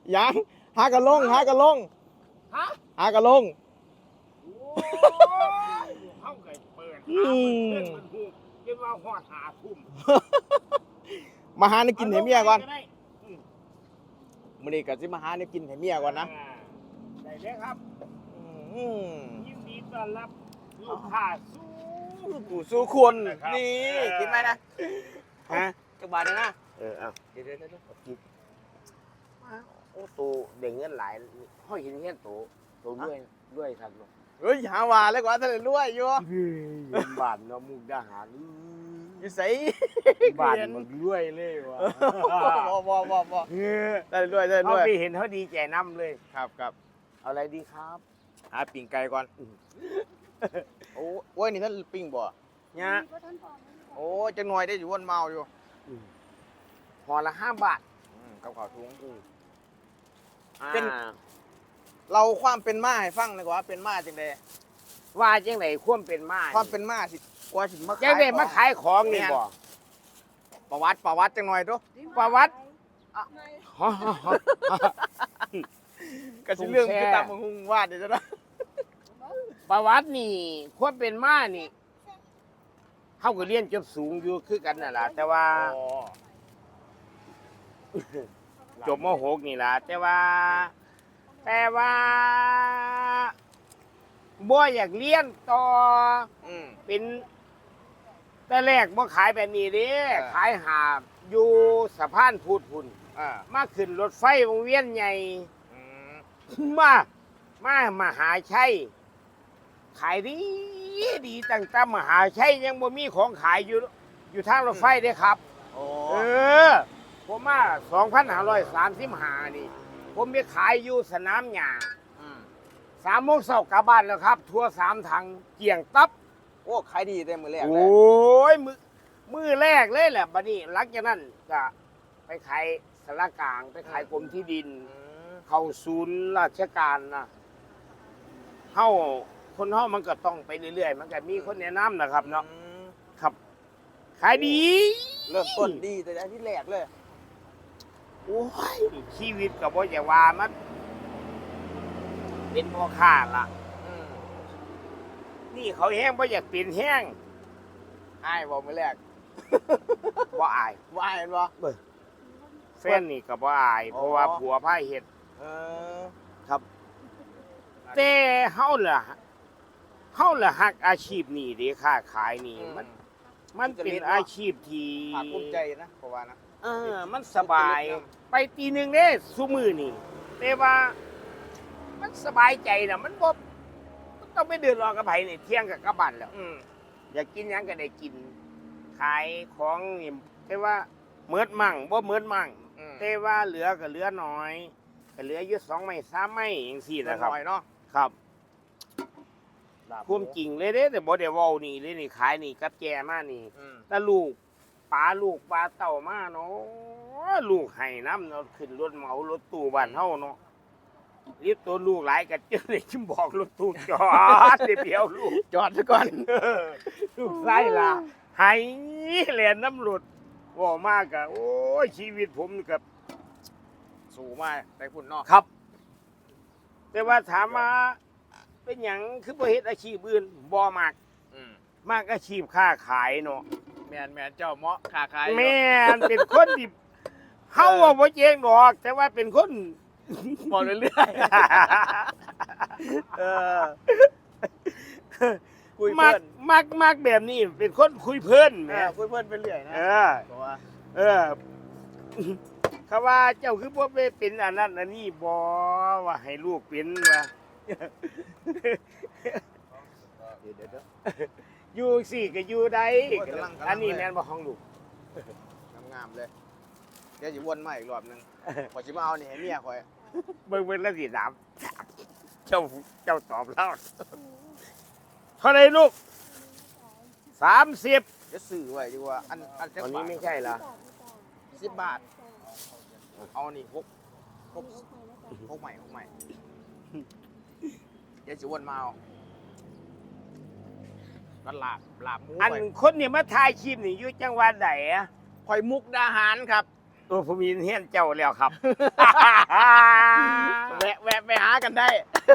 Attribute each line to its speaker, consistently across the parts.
Speaker 1: ยังหากระลง
Speaker 2: ฮะ
Speaker 1: หากระลง
Speaker 2: เข้าไก่เปิดหาเพื่อนมันหูเรียกว่าหอดหาทุ่ม
Speaker 1: มาหาในกินให้เมียก่อนมื้อนี้ก็สิมาหาในกินให้เมียก่อนนะ
Speaker 2: ได้เลยครับ
Speaker 1: อืม
Speaker 2: ยินดีต้อนรับลูกค้า
Speaker 1: สู้คน
Speaker 2: นะครับ
Speaker 1: นี่กินไหมนะฮะจักบาทนะ
Speaker 2: เอาเดี๋ยวกินโอ้ตัวเด้งเงินหลายห้อยเห็นเงี้ยตัวด้วยครับเนาะ
Speaker 1: เฮ้ยหาว่าเลยกว่าทะเลรวยอยู่
Speaker 2: บ้านเนาะมุกดาหาร
Speaker 1: อยู่ไส
Speaker 2: บ้านมันรวยเลยวะ
Speaker 1: บ่ได้รวยได้ร
Speaker 2: เขา
Speaker 1: วย
Speaker 2: ไปเห็นเขาดีใจน้ำเลย
Speaker 1: ครับ
Speaker 2: เอาอะไรดีครับ
Speaker 1: หาปิ่งไก่ก่อนโอ้ยนี่ท่านปิ้งบ่
Speaker 2: เนี่ย
Speaker 1: โอ้ยจังหน่อยได้อยู่วนเมาอยู่
Speaker 2: ห่อละ5 บาท
Speaker 1: กับข้าวถุง
Speaker 2: เป็น
Speaker 1: เราความเป็นมาให้ฟังดีกว่าเป็นมาจังได๋
Speaker 2: ว่าจังไหนควมเป็นมา
Speaker 1: ความเป็นมาสิกว่าสิมา
Speaker 2: จังไหนมาขายของนี่บ่
Speaker 1: ประวัติจังหน่อยดู
Speaker 2: ประวัติ
Speaker 1: ก็สิเรื่องคือตามหุงวาดเดี๋ยวจะได้
Speaker 2: ประวัตินี่ควรเป็นมานี่เขาก็เรียนจบสูงอยู่คือกันน่ะล่ะแต่ว่าจบม .6 นี่ล่ะแต่ว่าบ่อยากเรียนต่อ เป็นแต่แรกบ่ขายแบบนี้เด้ขายหาบอยู่สะพานพุทธพุ่นมาขึ้นรถไฟวงเวียนใหญ่มหาชัยขายดีตั้งแต่มหาชัยยังบ่มีของขายอยู่ทางรถไฟเด้ครับผมมา2535นี่ผมไปขายอยู่สนามหญ้า3 โมงเช้ากลับบ้านแล้วครับทัวร์3 ถังเกี่ยงตับ
Speaker 1: โอ้ขายดีแต่มื้อแรก
Speaker 2: โอ้ยมือแรกเลยแหละบัดนี้หลังจากนั้นก็ไปขายสารกลางไปขายกรมที่ดิน เข้าศูนย์ราชการนะคนเฮามันก็ต้องไปเรื่อยๆมันก็มีคนแนะนำนะครับเนาะครับขายดี
Speaker 1: เริ่มต้นดีแต่ที่แรกเลย
Speaker 2: โอ้ยชีวิตก็บ่อย่าว่ามันเป็นพ่อค้าล่ะนี่เขาแห้งบ่อยากเปลี่ยนแห้ง
Speaker 1: อ้ายบอกมื้อแรก
Speaker 2: บ่อาย
Speaker 1: ว่าอ้ายเห็นบ่
Speaker 2: แฟนนี่ก็บ่อาย เพราะว่าผัวพาเฮ็ด ครับ แต่เฮาล่ะฮักอาชีพนี้เด้ค้าขายนี่มันเป็นอาชีพที่
Speaker 1: ภาคภูมิใจนะเพราะว่านะ
Speaker 2: มันสบาย ไปตีหนึ่งเด้ซุมื้อนี่แต่ว่ามันสบายใจน่ะมันบ่ต้องไปเดือดร้อนกับไผนี่เที่ยงก็กลับบ้านแล้วอยากกินหยังก็ได้กิน ขายของนี่แต่ว่าเมิดมั่งบ่เมิดมั่งแต่ว่าเหลือก็เหลือน้อยก็เหลืออยู่2 ไม้ 3 ไม้จังซี่นะครับ
Speaker 1: หน่อยเนาะ
Speaker 2: ครับความจริงเลยเด้แต่บ่ได้เว้านี่เลยนี่ขายนี่กับแจมานี่แต่ลูกปลาเต่ามาเนาะลูกให้น้ำเนาะขึ้นรถเหมารถตู้บ้านเฮาเนาะรีบตัวลูกหลายก็เจอเลยชิมบอกรถตู้จอดเดี๋ยวลูก
Speaker 1: จอดซะก่อน
Speaker 2: ลูกไส้ล่ะให้แล่นน้ำรถว่ามากกะโอ้ยชีวิตผมกับ
Speaker 1: สู่มาแต่พุ่นเนาะ
Speaker 2: ครับ แต่ว่าถามมาเป็นหยังคือบ่เฮ็ดอาชีพอื่นบ่มากอาชีพค้าขายเนาะ
Speaker 1: แม่นเจ้าเหมาะค้าขาย
Speaker 2: แม่นเป็นคนที่เฮาว่าบ่เจ๊งดอก แต่ว่าเป็นคน
Speaker 1: มองเรื่อยๆคุย
Speaker 2: มั
Speaker 1: เพิ่
Speaker 2: ก
Speaker 1: น
Speaker 2: มักแบบนี้เป็นคนคุยเพิ่นแหม
Speaker 1: คุยเพิ่นไปเรื่อยนะ
Speaker 2: เออ
Speaker 1: เพราะว่า
Speaker 2: เขาว่าเจ้าคือบ่ไปเป็นอันนั้นอันนี้บ่ว่าให้ลูกเป็นว่า
Speaker 1: เดี๋ยว
Speaker 2: อยู่สิก็อยู่ได้อันนี้แม่นบ่ของลูก
Speaker 1: งามๆเลยเดี๋ยวสิวนมาอีกรอบนึงพอสิมาเอานี่ให้เมียข่อย
Speaker 2: เบิ่งแล้วสิถามเจ้าตอบแล้วเท่าไหร่ลูก30
Speaker 1: จะซื้อไว้ดีกว่าอันจัก
Speaker 2: วัน
Speaker 1: บา
Speaker 2: นี้
Speaker 1: ท
Speaker 2: ไม่ใช่เหรอ
Speaker 1: 10 บาทเอานี่6ใหม่เดี๋ยวสิวนมาเอาก็ลาบหมู
Speaker 2: อัน
Speaker 1: ไป
Speaker 2: คนนี่มาถ่ายคลิปนี่อยู่จังหวัดใดอะ
Speaker 1: ข่อยมุกดาหารครับ
Speaker 2: โตัวผมมีเฮียนเจ้าแล้วครับ
Speaker 1: แวะไปหากันได้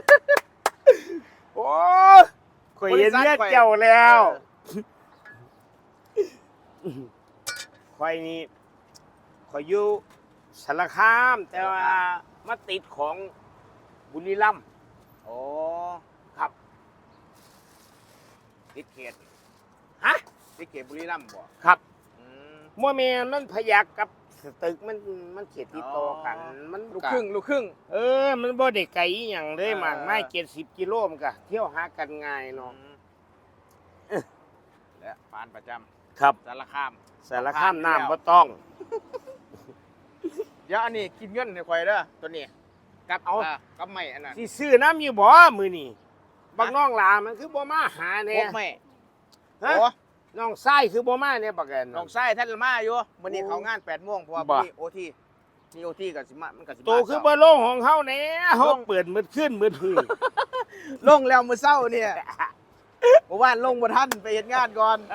Speaker 2: โอ้ข่อยเห็นเฮียนเจ้าแล้วข่อยนี่ข่อยอยู่สารคาม แต่ว่ามาติดของบุรีรัมย์
Speaker 1: โอ้
Speaker 2: ครับ
Speaker 1: ติดเขต
Speaker 2: ฮะ
Speaker 1: ติดเขตบุรีรัมย์บ่
Speaker 2: ครับ
Speaker 1: อืม
Speaker 2: มัวแม่มันพยักกับตึกมันเขียดติดต่อกัน มัน
Speaker 1: ลูกครึ่งลูกครึ่ง
Speaker 2: มันบ่ได้ไกลอหย่างเลย
Speaker 1: เออ
Speaker 2: มากไม่70 กิโลมันก็เที่ยวหากันง่ายเนาะ
Speaker 1: และปานประจำ
Speaker 2: ครับ
Speaker 1: สารคาม
Speaker 2: สารคามน้ำบ่ต้อง
Speaker 1: เดี๋ยวอันนี้กินเงินในควายเด้อตัวนี้กับ
Speaker 2: เอา
Speaker 1: กับไม่อันนั้น
Speaker 2: สิซื้อน้ำอยู่บ่มื้อนี้บักน้องหลามันคือบ่มาหาแน่
Speaker 1: พวกไม่
Speaker 2: ฮะ
Speaker 1: โอ้
Speaker 2: น้องชายคือบ่มาแน่บักแกน
Speaker 1: น้องชายท่านมาอยู่มื้อนี้
Speaker 2: โอ้
Speaker 1: เขางาน8 โมงเพราะว่า
Speaker 2: บ่
Speaker 1: มีโอทีมีโอทีกับสิมามันกับสิมา
Speaker 2: โตคือบ่ลงของเฮาแน่เฮาเปิดมืดขึ้นมืดหือ
Speaker 1: ลงแล้วมื้อเช้าเนี่ยเมื่อวานลงบ่ทันไปเฮ็ดงานก่อน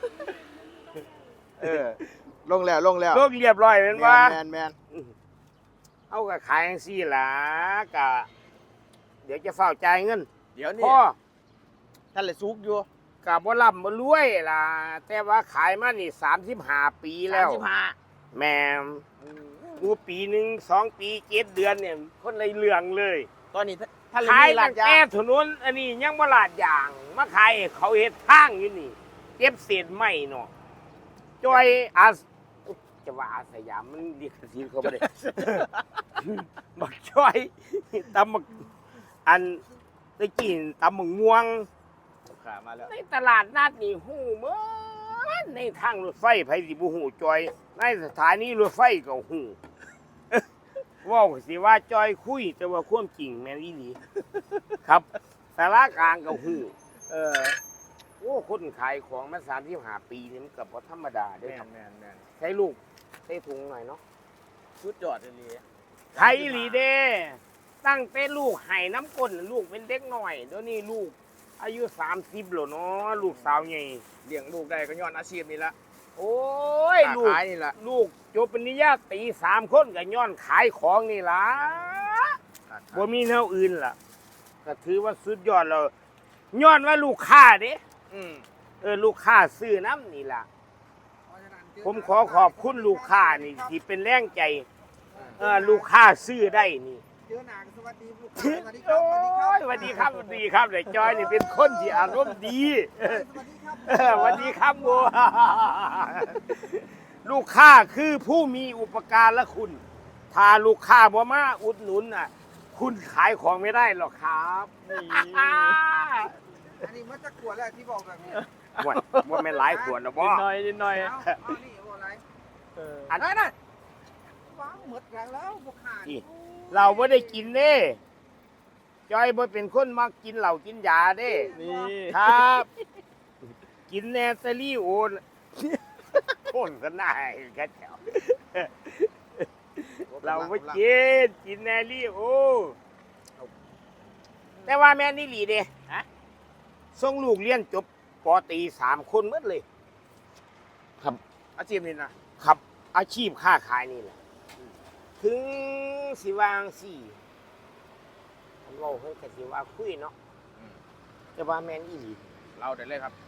Speaker 1: ลงแล้ว
Speaker 2: ลงเรียบร้อยแม่นว่า
Speaker 1: แมน
Speaker 2: เอาก็ขายจังซี่ล่ะก็เดี๋ยวจะเฝ้าจ่ายเงิน
Speaker 1: เดี๋ยวนี้
Speaker 2: พ่อ
Speaker 1: ท่านเลยซุกอยู่
Speaker 2: ก็บ่ร่ำบ่รวยล่ะแต่ว่าขายมานี่35 ปีแล้ว
Speaker 1: 35
Speaker 2: แม่มกูปีหนึ่ง2 ปี 7 เดือนเนี่ยคนเลยเรื่องเลย
Speaker 1: ตอนนี้ท่านเลย
Speaker 2: ขาย
Speaker 1: มีร้า
Speaker 2: ตั้
Speaker 1: น
Speaker 2: ง
Speaker 1: ยา
Speaker 2: แต่ถนนอันนี้ยังบ่ลาดยางมาขายให้เขาเฮ็ดทางอยู่นี่เก็บเศษไม้เนาะจอยจะว่าอาสยามมันเรียกสิทธิ์เขาบ่ได้ บักจอยตำบักอันตะกี้ตำบักม่วง
Speaker 1: ขามาแล้ว
Speaker 2: ในตลาดนัดนี่ฮู้หมดในทางรถไฟไผสิบ่ฮู้จอย ในสถานีรถไฟก็ฮู้ เว้าสิว่าจอยคุย แต่ว่าความจริงแม่นอีหลีครับสารากลางก็ฮู้โอ้คนขายของมา35 ปีนี่มันก็บ่ธรรมดาเด้อครับ
Speaker 1: แมน
Speaker 2: ใช้ลูกใช้ถุงหน่อยเนาะ
Speaker 1: ชุดจอดเลย
Speaker 2: ไทยอีหลีเด้ตั้งแต่ลูกให้น้ำก้นลูกเป็นเด็กน้อยเดี๋ยวนี้ลูกอายุ30แล้วเนาะลูกสาวใหญ่
Speaker 1: เลี้ยงลูกได้ก็ย้อนอาชีพนี่ละ
Speaker 2: โอ้ยลูก
Speaker 1: ขายนี่ละ
Speaker 2: ลูกจบปริญญาตรี3 คนก็ย้อนขายของนี่ล่ะบ่มีแนวอื่นล่ะก็ถือว่าสุดยอดแล้วย้อนว่าลูกค้าเด้
Speaker 1: อืม
Speaker 2: ลูกค้าซื้อน้ำนี่ล่ะ ผมขอขอบคุณลูกค้านี่ที่เป็นแรงใจลูกค้าซื้อได้นี่
Speaker 3: เจอหนาสวัสดีลูกค้าสวัสดีครั
Speaker 2: โอ้
Speaker 3: บ
Speaker 2: ยสวัสดีครับสวัสดีครับเลยจอยนี่เป็นคนที่อารมณ์ดี
Speaker 3: สวัสดีครับ
Speaker 2: สวัสดีครับโมลูกค้าคือผู้มีอุปการะคุณ ถ้าลูกค้าบ่มาอุดหนุนน่ะ คุณขายของไม่ได้หรอกครับนี่
Speaker 3: อันนี้มันจะขวดแล้วที่บอกแบบนี้
Speaker 2: ว่าไม่นหลายขวดนะบ่
Speaker 1: นิดหน่อย
Speaker 3: เอานี่บอกอะไร
Speaker 2: อันนั้น
Speaker 3: ว้าวหมดแล้วบุกขาด
Speaker 2: เราไม่ได้กินเด้จอยบ่เป็นคนมักกินเหล้ากินยาเด้
Speaker 1: นี่
Speaker 2: ครับ กินแนตาลี่โอนคนก็น่าให้กันแถวเราไม่กินแนลี่โอแต่ว่าแม่นี่หลีเด้ฮะส่งลูกเรียนจบปอตรี3 คนหมดเลย
Speaker 1: อาชีพนี่นะ
Speaker 2: ครับ อาชีพค้าขายนี่แหละถึงสิวางสี่อันเว่าเพิ่นก็สิว่าคุยเนาะแต่ว่าแม่นอีหลี
Speaker 1: เราได้เลยครับ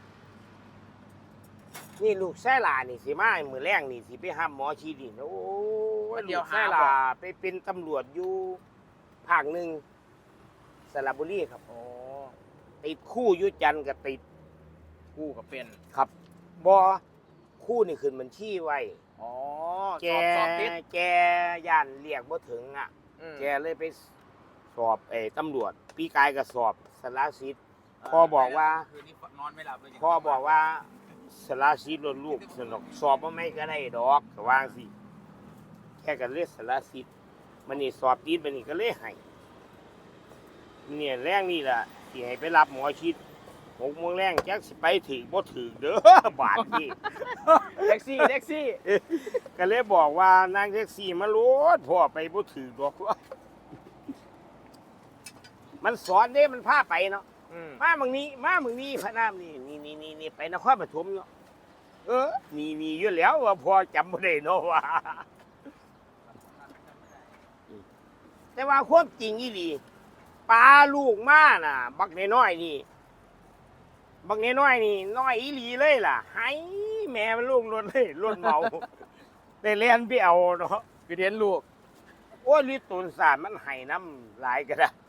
Speaker 2: นี่ลูกแซ่ลานี่สิมามื้อแรงนี่สิไปหาหมอชีดินโอ้ยลูกแซ่ลาไปเป็นตำรวจอยู่ภาคหนึ่งสระบุรีครับ
Speaker 1: โอ้
Speaker 2: ติดคู่อยู่จันทร์ก็ติด
Speaker 1: กู้กับเป็น
Speaker 2: ครับบ่คู่นี่ขึ้นบัญชีไว้
Speaker 1: อ๋อ
Speaker 2: แก
Speaker 1: สอบติด
Speaker 2: แกย่านเรียกบ่ถึงอ่ะ แกเลยไปสอบตำรวจปีกายก็สอบสารสิทธิ์พ่อบอกว่า
Speaker 1: คืนนี้นอนไม่หลับเลย
Speaker 2: พ่อบอกว่าสารสิทธิ์ลูกสนุกสอบว่าไม่ก็ได้ดอกก็วางสิแค่กันเรียกสารสิทธิ์มันนี่สอบติดมันนี่ก็เลยให้เนี่ยแรงนี่แหละที่ให้ไปรับหมอชิด6 โมงแรงแจ็คสิไปถึงบ่ถึงเด้อบาทนี่
Speaker 1: แท็กซี่
Speaker 2: ก็เลยบอกว่านางแท็กซี่มาโลดพ่อไปบ่ถึงดอกมันสอนเด้มันพาไปเนาะ มาเมืองนี้พระนามนี่ไปนครปฐมเนาะนี่อยู่แล้วว่าพอจำไม่ได้เนาะว่าแต่ว่าความจริงอีหลีปลาลูกมาน่ะ บักน้อยๆนี่บักน้อยๆนี่น้อยอีหลีเลยล่ะให้แม่มันลูกรถเลยรถเมาได้เรียนไปเอาเนาะ
Speaker 1: ไปเรียนลูก
Speaker 2: โอ้ยลิตูนสารมันให้น้ำหลายก็ได้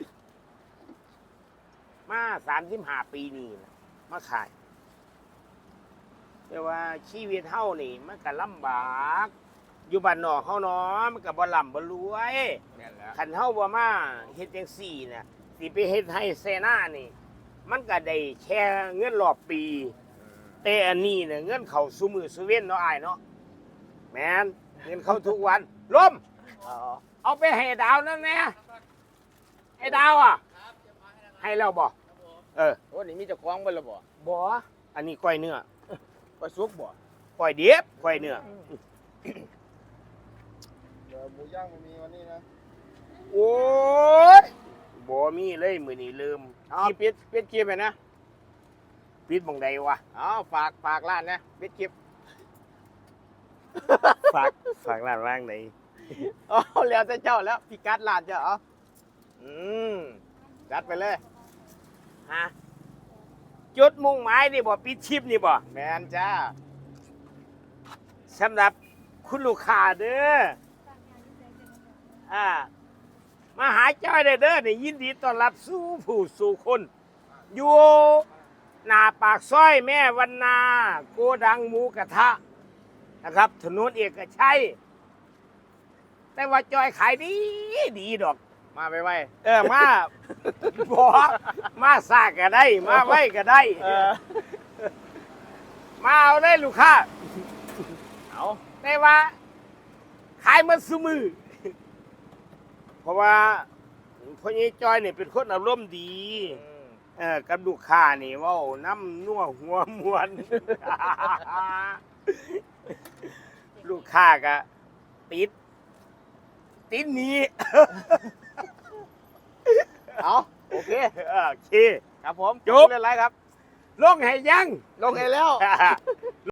Speaker 2: มา35 ปีนี่นะมาขาย แต่ว่าชีวิตเฮานี่มันก็ลำบากอยู่บ้านนอกเฮาเนาะมันก็บ่ร่ำบ่รวย
Speaker 1: แม่นแล้ว
Speaker 2: คันเฮาบ่มาเฮ็ดจังซี่น่ะสิไปเฮ็ดให้เซนานี่ มันก็ได้แค่เงินรอบปี แต่อันนี้เนี่ยเงินเข้าซุมื้อซุเว้นเนาะอ้ายเนาะแม่นเงินเข้าทุกวันลมเอาไปให้ดาวนั่นแหละไอ้ดาวอ่ะให้แล้วบ่เออ
Speaker 1: โอ้นี่มีเจ้าของเบิ่แล้วบ่
Speaker 2: บ่อันนี้ก้อยเนื้อ
Speaker 1: ไปสุกบ่
Speaker 2: ก้อยเดียบก้อยเนื้อ
Speaker 3: เดี๋ยวหมูย่างมันมีวันนี้นะ
Speaker 2: โอ้ยบ่มีเลยมื้อนี้ลืม
Speaker 1: เอาปิดคลิปไปนะ
Speaker 2: ปิดบังใดวะ
Speaker 1: เอาฝากร้านนะปิดคลิป
Speaker 2: ฝากร้านว่างไหน
Speaker 1: เอาแล้วแต่เจ้าแล้วพี่กัดร้านเจ้าเอาอืมจัดไปเลย
Speaker 2: ฮะจุดมุ่งหมายนี่บ่ปิดชิปนี่บ่
Speaker 1: แมนจ้า
Speaker 2: สำหรับคุณลูกค้าเด้อมาหาจ้อยเด้อนี่ยินดีต้อนรับสู่ผู้สู่คน อยู่หน้าปากซอยแม่วันนา โกดังหมูกระทะนะครับ ถนนเอกชัย แต่ว่าจอยขายดีดีดอก
Speaker 1: มาไปไว้
Speaker 2: มาบอกมาซากก็ได้ มาไว้ก็ได้ มาเอาได้ลูกค้า
Speaker 1: เอา
Speaker 2: แต่ว่า ขายมันซุมือ เพราะว่าพ่อใหญ่จอยเนี่ยเป็นคนอารมณ์ดี กับลูกค้านี่เว่าน้ำนัวหัวมวน ลูกค้าก็ติดหนี้
Speaker 1: เอาโอเค
Speaker 2: โอเค
Speaker 1: ครับผม
Speaker 2: จบ
Speaker 1: เรื่องอะไรครับ
Speaker 2: ลงให้ยัง
Speaker 1: ลงให้แล้ว